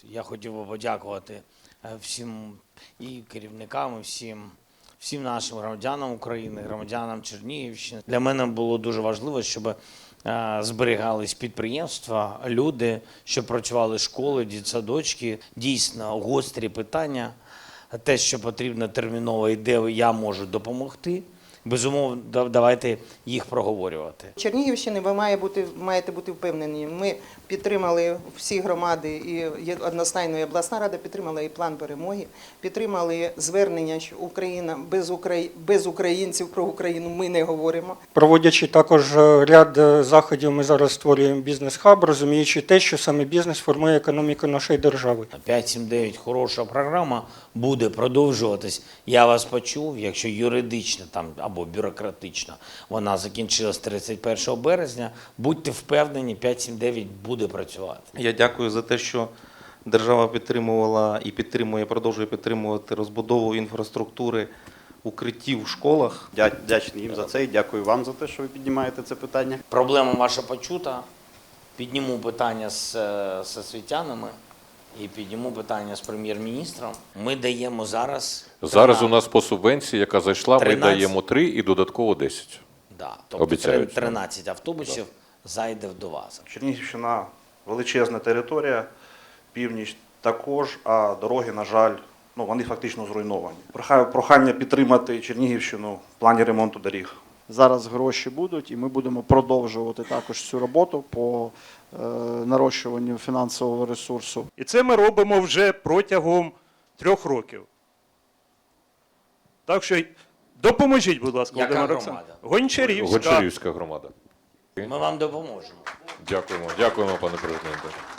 Я хотів би подякувати всім і керівникам, і всім нашим громадянам України, громадянам Чернігівщини. Для мене було дуже важливо, щоб зберігались підприємства, люди, щоб працювали школи, дитсадочки. Дійсно гострі питання, те, що потрібно терміново і де я можу допомогти. Безумовно, давайте їх проговорювати. Чернігівщини ви маєте бути впевнені. Ми підтримали всі громади, і одностайно і обласна рада підтримала і план перемоги, підтримали звернення, що Україна без українців про Україну ми не говоримо. Проводячи також ряд заходів, ми зараз створюємо бізнес-хаб, розуміючи те, що саме бізнес формує економіку нашої держави. 5-7-9 хороша програма буде продовжуватись. Я вас почув, якщо юридично там або бюрократично вона закінчилась 31 березня, будьте впевнені, 5-7-9 буде працювати. Я дякую за те, що держава підтримувала і підтримує, продовжує підтримувати розбудову інфраструктури укриттів в школах. Вдячний їм за це і дякую вам за те, що ви піднімаєте це питання. Проблема ваша почута. Підніму питання з освітянами і підніму питання з прем'єр-міністром. Ми даємо зараз... Зараз у нас по субвенції, яка зайшла, 13. ми даємо 3 і додатково 10. Да, тобто Обіцяють. 13 автобусів зайде до вас. Чернігівщина величезна територія, північ також, а дороги, на жаль, вони фактично зруйновані. Прохання підтримати Чернігівщину в плані ремонту доріг. Зараз гроші будуть, і ми будемо продовжувати також цю роботу по нарощуванню фінансового ресурсу. І це ми робимо вже протягом 3 років. Так що допоможіть, будь ласка, Яка Володимир громада? Олександрович. Гончарівська. Гончарівська громада. Ми вам допоможемо. Дякуємо, пане президенте.